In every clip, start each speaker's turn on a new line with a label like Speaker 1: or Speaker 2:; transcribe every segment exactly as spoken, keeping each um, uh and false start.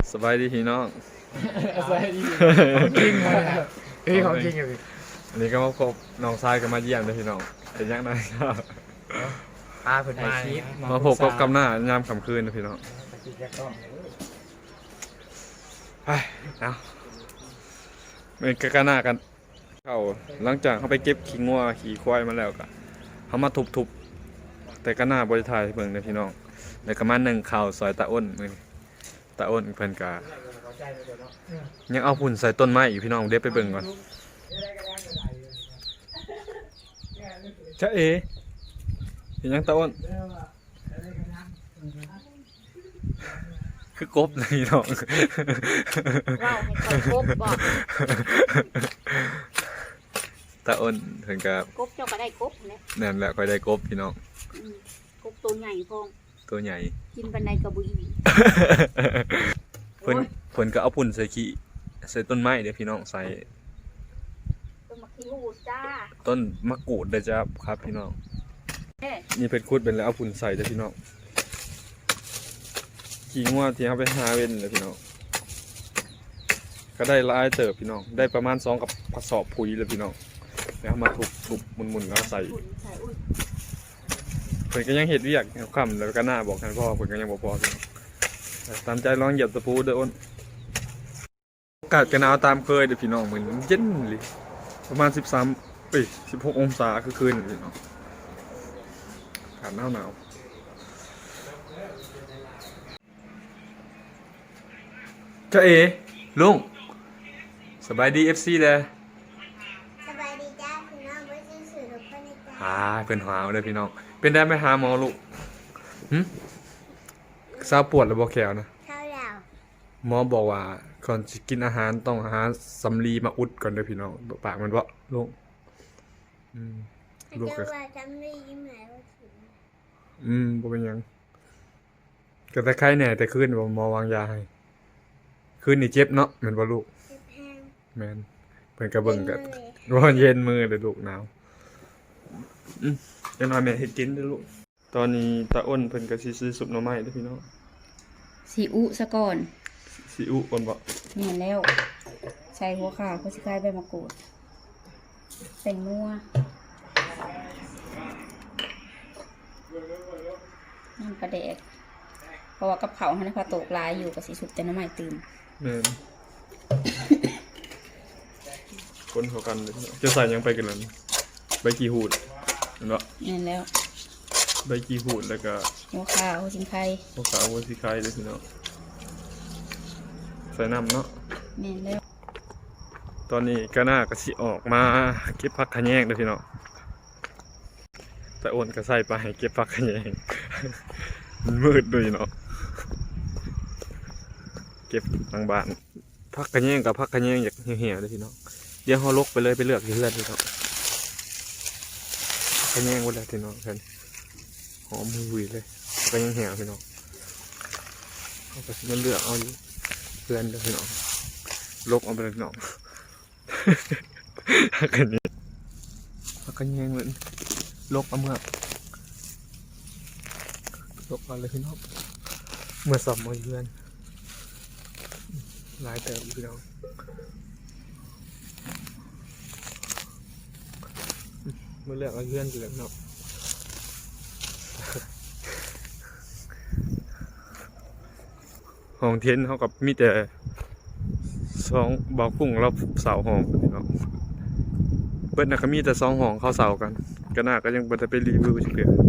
Speaker 1: สบายดีพี่น้อง
Speaker 2: สบายดีของจริงเลยเฮ้ยของจริงเลย
Speaker 1: อันนี้ก็มาพบน้องชายก็มาเยี่ยมเลยพี่น้องเป็นยังไงครับ
Speaker 2: พาเพิ่นมา
Speaker 1: มาพบกับกำหน้ายามค่ำคืนนะพี่น้องไปเอาเป็นกระหน้ากันเข้าหลังจากเขาไปเก็บขี้งัวขี้ควายมาแล้วก็เขามาทุบๆแต่กระหน้าบริทายเบิ่งเลยพี่น้องแล้วก็มาหนึ่งข่าวซอยตาอ้นมือตาอ้นเพิ่นกายังเอาหุ่นใส่ต้นไม้อีกพี่น้องเดี๋ยวไปเบิ่งก่อนจ้าเอเห็นยังตาอ้นคือกบเลยพี่น้อง
Speaker 3: ว้าวให้เขากบบอก
Speaker 1: ตาอ้นเพิ่นกาก
Speaker 3: บเจ้าก็ได้กบนะ
Speaker 1: นั่นแหละค่อยได้กบพี่น้อง
Speaker 3: กบตัวใหญ่พอง
Speaker 1: ตัวใหญ่
Speaker 3: กินบันไดกระบุย
Speaker 1: เพิ่นเพิ่นก็เอาปุ่นใส่ขี้ใส่ต้นไม้เดี๋ยวพี่น้องใส่
Speaker 3: ต้นมะขี้หูจ้า
Speaker 1: ต้นมะกรูดเด้อจ้าครับพี่น้องนี่เพิ่นขุดเป็นแล้วเอาปุ่นใส่เด้อพี่น้องขี้งัวที่เฮาไปหาเว้นเลยพี่น้องก็ได้หลายเติบพี่น้องได้ประมาณสองกับกระสอบปุ๋ยเลยพี่น้องแล้วมาทุบๆหมุนๆแล้วใส่เพิ่นก็ยังเฮ็ดเวียกค่ำแล้วก็หน้าบอกให้พ่อเพิ่นก็ยังบ่พอพี่น้องตามใจลองเหยียบตะปูเด้ออ้นอากาศก็หนาวตามเคยเด้อพี่น้องเหมือนเย็นเลยประมาณสิบสามเอ้ยสิบหกองศาคือคืนพี่น้องอากาศหนาวหนาวจ้าเอลุงสบายดี เอฟ ซี เด้อ
Speaker 4: สบายดีจ้าพี่น้องไว้ซื้อสื่อรถเพื่อนในใจ
Speaker 1: อ่าเพิ่นหาวเด้อพี่น้องเป็นได้ไหมหาหมอลูกหึซาปวดหรือบ่แขวนะ
Speaker 4: เท่าเรา
Speaker 1: หมอบอกว่าก่อนจะกินอาหารต้องหาสำลีมาอุดก่อนเด้อพี่น้องปากมันบ่ลูกอืมลูกก็
Speaker 4: จะว่าจำได้ยิ้มไหนว่าถึง
Speaker 1: อืมบ่เป็นหยังก็แต่ไข้แหน่แต่คืนบ่หมอวางยาให้คืนนี่เจ็บเนาะแม่นบ่ลูก
Speaker 4: เจ็บแห้ง
Speaker 1: แม่นเพิ่นก็เบิ่งก็ร้อนเย็นมือเด้อลูกหนาวอืมจังว่าแม่เฮ็ดกินเด้อลูกตอนนี้ตาอ้นเพิ่นก็สิซื้อซุปหน่อไม้เด้อพี่น้อง
Speaker 3: ซีอุซะก่อน
Speaker 1: ซีอุอ่อนบ่
Speaker 3: แม่นแล้วใส่หัวขาเขาสิคายใบมะกรูดใส่นัวน้ำปลาแดกเพราะว่ากับเขาให้นะคะตกลายอยู่กับสีสุกแต่น้ำใหม่ตื่น
Speaker 1: แม่นคนเขากันเลยจะใส่ยังไปกันแล้วใบกี่หูดเห็นบ่
Speaker 3: แม่นแล้ว
Speaker 1: ใบกี่หูดแล้วก็
Speaker 3: หัวขาหัวสิงไข่
Speaker 1: หัวขาหัวสิงไข่เลยพี่น้องใส่น้ำเนาะ
Speaker 3: แม่นแล้ว
Speaker 1: ตอนนี้ก็น่าก็สิออกมาเก็บผักขะแยงเด้อพี่น้องแต่โอนก็ใส่ไปเก็บผักขะแยงมันมืดด้วยเนาะเก็บทางบ้านผักขะแยงกับผักขะแยงอยากเหี่ยวๆเด้อพี่น้องเดี๋ยวเฮาลกไปเลยไปเลือกที่เพื่อนพี่น้องขะแยงหมดแล้วพี่น้องเพิ่นหอมหุยเลยก็ยังเหี่ยวพี่น้องเอาไปมันเลือกเอาอยู่เพื่อนเด้อพี่น้องลกเอาไปเลยพี่น้องผักขะแยงผักขะแยงเหมือนลกเอาเมื่อลกเอาเลยพี่น้องเมื่อสอบมาเยือนหลายเติมพี่น้องเมื่อเลือกเอาเยือนอยู่แล้วเนาะห้องเทียนเขากับมีแต่สองบ่อกุ้งเราเสาห้องพี่น้องเบิ้ลนะก็มีแต่สองห้องเข้าเสากันก็น่าก็ยังบ่ได้ไปรีวิวจักเทื่อ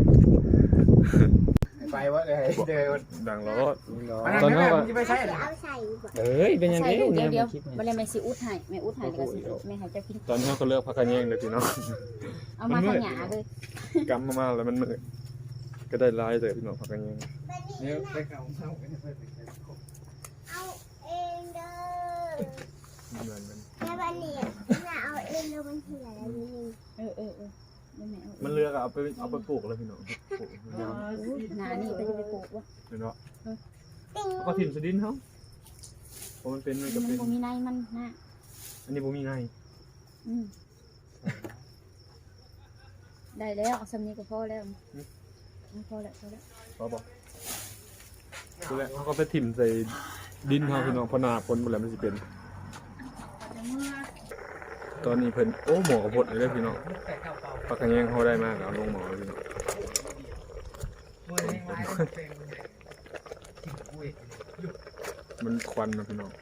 Speaker 2: ไปวะเลยเดิน
Speaker 1: ดังล้อ
Speaker 2: ตอนนั้นว่าไม่ใช่
Speaker 4: เอาใส่
Speaker 2: เอ้ยเป็นยังไง
Speaker 3: เดี๋ยวเดี๋ยววันนี้แม่ซีอุดให้แม่อุดให้แล้วก็ซีแม่ให้เจ้ากิน
Speaker 1: ตอนนี้เขาเลือกผักกระแยงเลยพี่น้อง
Speaker 3: เอามาขยะเลย
Speaker 1: กำมากๆแล้วมันมืดก็ได้ลายเลยพี่น้องผักกระแยง
Speaker 2: เนี่ยไปเขาเอา
Speaker 4: เอาเองเด้อ
Speaker 1: เหมือนมัน
Speaker 4: แม่บ้านนี่น่าเอาเองแล้วมันเหี่ยวแล้วนี่
Speaker 3: เออเออเออ
Speaker 1: มันเลือกเอาไปเอาไปปลูกเลยพี่น้องปลูก
Speaker 3: หนานี่ไปจะไปปลูกวะ
Speaker 1: เนาะก็ถิ่นสดินเขาเพราะมันเป็นมันก็เป็น
Speaker 3: มันมีในมันนะ
Speaker 1: อันนี้บ่มีใน
Speaker 3: ได้แล้วสำนีก็พอแล้วพอแล้วพอแล้ว
Speaker 1: พอบอกคือแล้วเขาก็ไปถิ่มใส่ดินเฮาพี่น้องเพอหนาฝนบ่แล้วมันสิเป็น ตอนนี้เพิ่นโอ้หมอกระพดเลยเด้อพี่น้องปลากระแยงเขาได้มากเอาลงหมอเลยพี่น้องมันควันนะพี่น้อง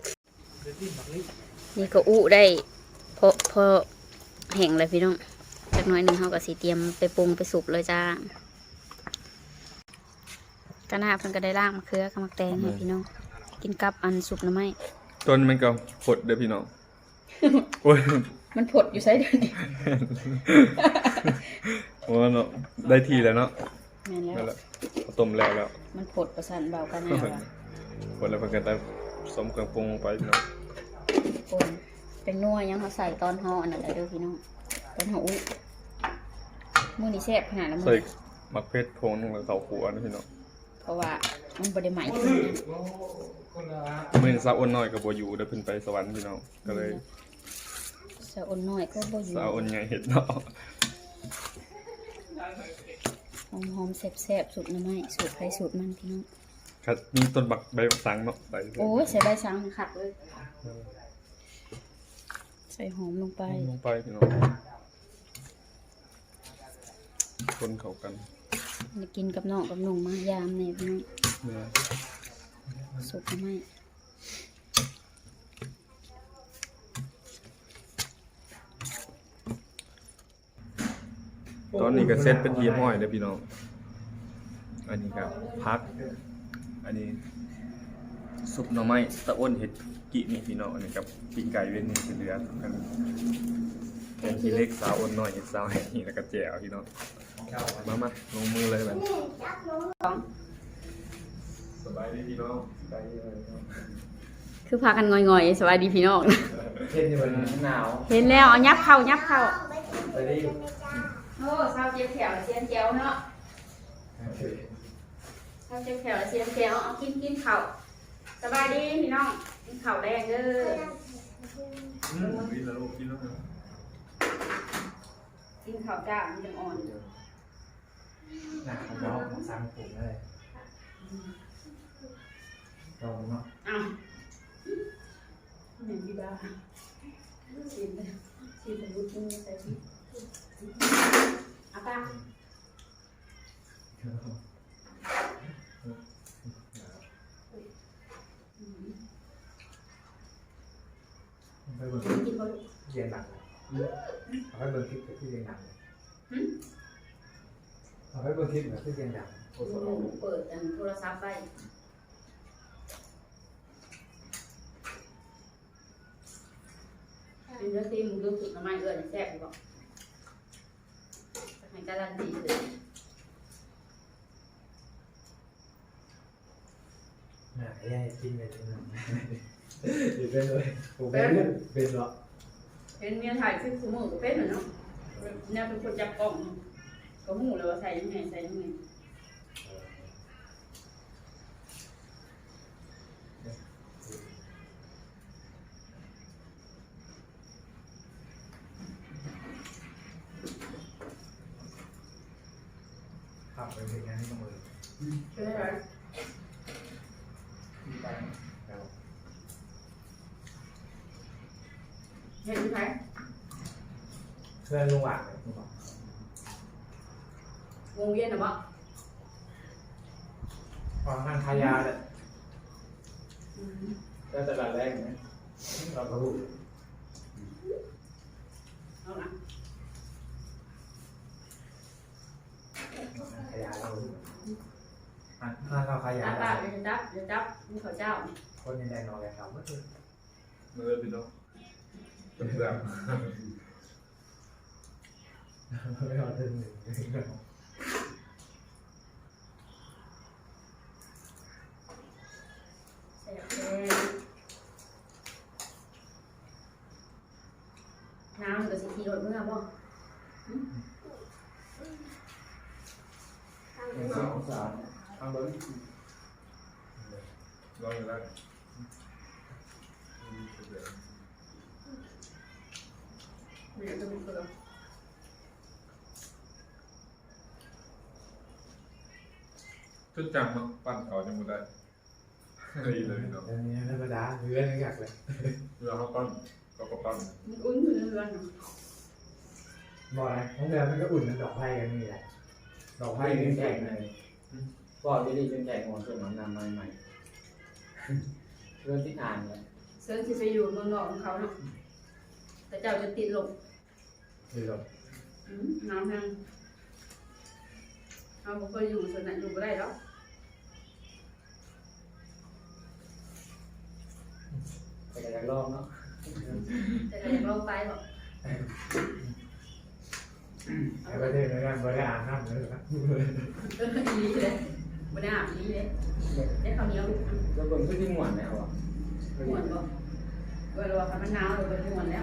Speaker 3: นี่ก็อุได้พอพอแห้งเลยพี่น้องจักหน้อยหนึงเฮาก็สิเตรียมไปปรุงไปสุกเลยจ้ากะหน้าเพิ่นก็ได้ล่างมะเขือกับมะแตงให้พี่น้องกินกับอันสุกหน่อไม้
Speaker 1: ต้นมันก็พดเด้อพี่น้องโอ้ย
Speaker 3: มันผดอยู่ไสเดี๋ยวนี้
Speaker 1: โอ้เนาะได้ทีแล้วเนาะ
Speaker 3: แม่น
Speaker 1: นั่น
Speaker 3: แล้
Speaker 1: แห
Speaker 3: ว
Speaker 1: ละต้มแล้วแล้ว
Speaker 3: มันผดประสานเบากันแน่ว่ะ
Speaker 1: พดแล้วเพิ่นก็ได้สมเครื่องปรุงลงไปพี่น้อง
Speaker 3: ปนเป็นนัวยังเขาใส่ตอนเฮาอันนั้นแหละเด้อพี่น้องตอนเฮาอุ้ยมื้อนี้แซ่บขนาดนั้น
Speaker 1: ใส่
Speaker 3: มื้อ
Speaker 1: มักเพชรพงแล้วข้าวคั่วนะพี่น้อง
Speaker 3: เพราะว่ามันบ่ได้ไหม้ขึ้นนะ
Speaker 1: มื้อนี้สาวอ้นน้อยก็บ่อยู่เด้อเพิ่นไปสวรรค์พี่น้องก็เลย
Speaker 3: สะอ่อนน้อยก็บ่อยู่
Speaker 1: สาวอ้นใหญ่เฮ็ดเนาะ
Speaker 3: หอมๆแซ่บๆสูตรหน่อไม้สูตรไผสูตรมันพี่น้อง
Speaker 1: ครับมีต้นบักใบบักสังเนาะใส่
Speaker 3: โอ้ยใส่ใบสังคักเลยใส่หอมลงไป
Speaker 1: ลงไปพี่น้องคนเข้ากัน
Speaker 3: มากินกับน้องกับหนุ่งมายามเนี่ยพี่น้อง
Speaker 1: เนี่ย
Speaker 3: สุกหน่อไม้
Speaker 1: ตอนนี้ก็เซ็ตเป็นทีมห้อยเด้อพี่น้องอันนี้ก็พัก อันนี้ซุปหน่อไม้ตะอ้นเห็ดกินี่พี่น้องอันนี้กับปิ้งไก่เว้นนี่คือเหลือกันเป็นทีเล็กสาวอ้นน้อยเห็ดสาวให้นี่แล้วก็แจ่วพี่น้องมามาลงมือเลยบัด
Speaker 3: สอง
Speaker 1: สบายดีพี่น้องสบายดีเลยพี่น้อง
Speaker 3: คือพากันงอยๆสวัสดีพี่น้อง
Speaker 2: เช่นที่มันหนาว
Speaker 3: เห็นแล้วเอายับเข้ายับเข้า
Speaker 2: ไปดิ
Speaker 3: โอ้เศร้าเจียวแถวเสียนเจียวเนาะเศร้าเจียวแถวเสียนเจียวเอากินกินข้าวสบายดีพี่น้องกินข้าวแดงเด้อ
Speaker 1: อืมกินแล้วลูกกินแล้ว
Speaker 3: กินข้าวจ้ามันจังอ่อน
Speaker 2: หนาวเนาะสามผมเลยลองเนาะ
Speaker 3: อ้าวหนึ่งพี่บ้าชิมเลยชิมเป็นรูปชิ้นใส่ชิมอ่ะป้า
Speaker 2: ไปเบิ่ง
Speaker 3: กินบ่ลูก
Speaker 2: เรียนหนังเอาไปเบิ่งคลิปที่เรียนหนังเอาไปเบิ่งคลิปที่เรียนหนัง
Speaker 3: ลูกเปิดอันโทรศัพท์ไปเป็นเรื่องที่มึงรู้สึกทำไมเอื้อนแซ่บดีบอกให้การันตีเลย
Speaker 2: น่ะแย่กินเลยนะอยู่เป็นเลยผมเป็นเป็นเหรอ
Speaker 3: เป็นเมียถ่ายคลิปสมุนกับเป็นเหรอเนาะเนี่ยเป็นคนจับกล้องก็หูเลยว่าใส่ยังไงใส่ยังไง
Speaker 2: ขับไปเป็นงานที่ต้องเลย
Speaker 3: ใช่ไหม
Speaker 2: ไปแล้ว
Speaker 3: เห็นไหม
Speaker 2: เพื่อนลุงหวานลุงหวาน
Speaker 3: วงเวียนหรือเปล่า
Speaker 2: ความทางขายาเลยก็ตลาดแรกไหมเราก็รู้
Speaker 3: เอาละ
Speaker 2: ขายาเรารู้อ่ะถ้าเราขายา
Speaker 3: จับป้าเดี๋ยวจับเดี๋ยวจับมีข้าวเจ้า
Speaker 2: คนยังได้นอนเลยครับก็คือ
Speaker 1: มือพี่น้องเป็นแบบ
Speaker 2: ไม่เอาเรื่องหนึ่ง
Speaker 3: ใส่เลยน้ำกับสีทีรถเมื่อบ่
Speaker 2: สองสามทำเบอร์
Speaker 1: ลองอยู่แล้ว
Speaker 3: ไม่อยากจะมีคน
Speaker 1: จนจังเนาะปั้นเขาจังบ่ได้ดีเลยเนาะ
Speaker 2: อันนี้ธรรมดาเรือนี่อยากเลย
Speaker 1: เรือเขาปั้นเขาก็ปั้น
Speaker 3: มันอุ่นอยู่ในเรือนเนาะ
Speaker 2: บอกนะของเรือมันก็อุ่นมันดอกไผ่กันนี่แหละดอกไผ่
Speaker 5: ให้
Speaker 2: นี่
Speaker 5: เป็น
Speaker 2: แข็
Speaker 5: แข่
Speaker 2: ง
Speaker 5: งในก็ดีๆเป็นแข่งของส่วนน้ำนำใหม่ๆเรื่องที่อ่านเนี่ย
Speaker 3: เซิร์นที่ไปอยู่เมืองนอกของเขาเนาะแต่เจ้าจะติดลม
Speaker 2: คือแบบ
Speaker 3: อืมน้ำยังเราบ่เคยอยู่ส่วนนั้นอยู่ไม่ได้หรอก
Speaker 5: แต่ก็อยากลองเนาะ
Speaker 3: แต่ก็อยากลองไปหรอก
Speaker 2: ไอ้ประเทศนั้นบริอาบน้ำเลยนะ
Speaker 3: เอออีหลีเลยไม่ได้อาบอีหลีเลยได้ข้าวเหนียวลูก
Speaker 5: แล้วเบิ่งคือที่หมวนแล้วอ่ะ
Speaker 3: หมวนบ่เวลาว่ามันหนาวเราไปหมวนแล้ว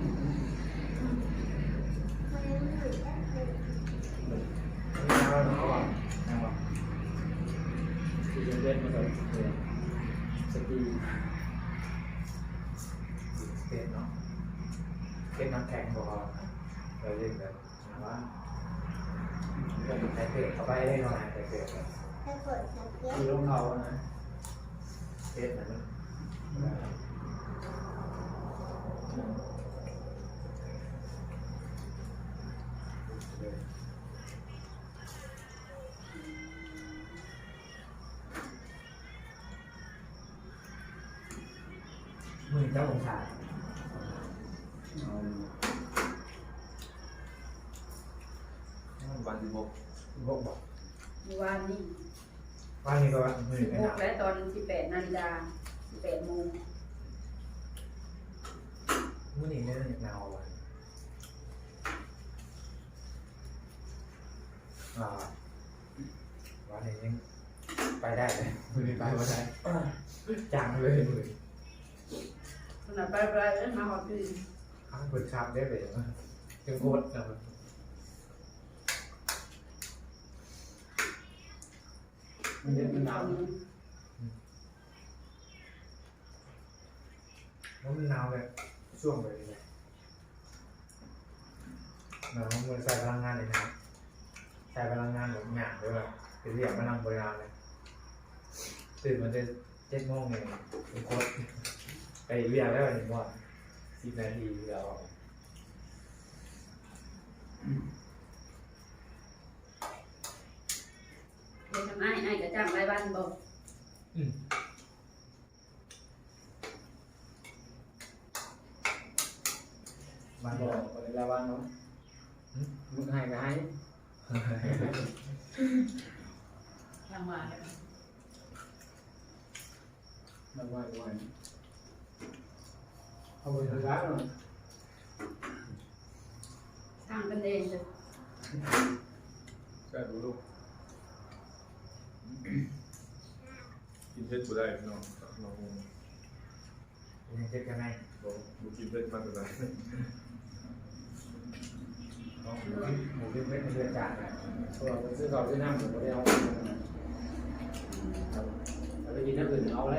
Speaker 4: มันอยู่ได้เลย
Speaker 2: น้ำเขาอ่ะน้ำอ่ะ
Speaker 5: ที่เป็นเล่นมาเลยสกี
Speaker 2: เต็มเนาะเต็มน้ำแข็งบอกเราเรียกแบบว่าใส่เกลือเข้าไปได้หน่อยใส่เกลือ
Speaker 4: ถ้าเปิดสังเกต
Speaker 5: ที่ลงเขานะ
Speaker 2: เต็มนะมือเจ้าของชาย
Speaker 5: เอา
Speaker 1: วันที่หก
Speaker 2: พวกบอก
Speaker 3: เมื่อวานนี้
Speaker 2: ว่านี่ก็ว่ามือ
Speaker 3: สิบ
Speaker 2: ไม่
Speaker 3: ห
Speaker 2: ห
Speaker 3: ก
Speaker 2: นาว
Speaker 3: และตอนสิบแปดนาฬิกาสิบแปดโมง
Speaker 2: มือนี่ไม่ได้หนาววันอ่าวันนี้ยังไปได้เลยมือนี้ไปว่าได้จังเลยมือ
Speaker 3: ขนาดไปไปเอ้ยมาหอดพี่
Speaker 2: ข้างบนชามได้เลยจึงโคตรนะ
Speaker 5: มันเย็นมันหนาว
Speaker 2: แล้วมันหนาวเลยช่วงเลยเลยหนาวมันใส่พลังงานเลยนะใส่พลังงานแบบหยาบเลยแบบเป็นเรียกพลังบริการเลยตื่นมันจะเจ็ดโมงเนี่ยเป็นโคตรไปเรียกแล้วเห็นว่าสิบนาทีแล้ว
Speaker 3: เดี๋ยวทำไอ้ไอ้กระจ้างรายวันบอก
Speaker 2: มัน
Speaker 5: บบ อ
Speaker 2: อก
Speaker 5: กเวลาวันเนาะมึงให้ก็ให้
Speaker 3: ทางว่า
Speaker 5: มันว่าวันเอาไปทำร้านเนาะ
Speaker 3: ทางกันเองเลย
Speaker 1: แค่ดูลูกกินเพชรกูได้พี่น้องน้อง
Speaker 2: ยังเจ็บกันไหม
Speaker 1: บอกดูกินเพชรมากเลย
Speaker 2: หมูเป็นเม็ดเลือดจางเลย
Speaker 5: ตัวเราซื้อข้าวซื้อน้ำผมก็ได้เอาเราไปกินน้ำอื่นเอาเลย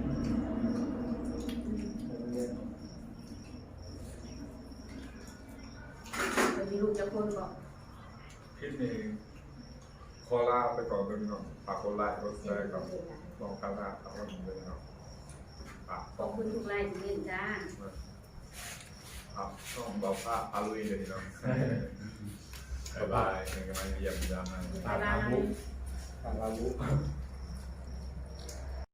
Speaker 3: จะมีลูกจะคนบอก
Speaker 1: คลิปนี้ขอลาไปก่อนเลยพี่น้องฝากกดไลค์กดแชร์กับน้องคาราตามกันเลยนะครับฝาก
Speaker 3: ขอบคุณทุกไลน์ที่เล่นจ้า
Speaker 1: ครับต้องบอกว่าอาลุยเลยพี่น้องบ๊ายบายเป็นกำลังเยี่ยมยามนะ
Speaker 3: บ๊ายบาย
Speaker 5: ตามเรารู้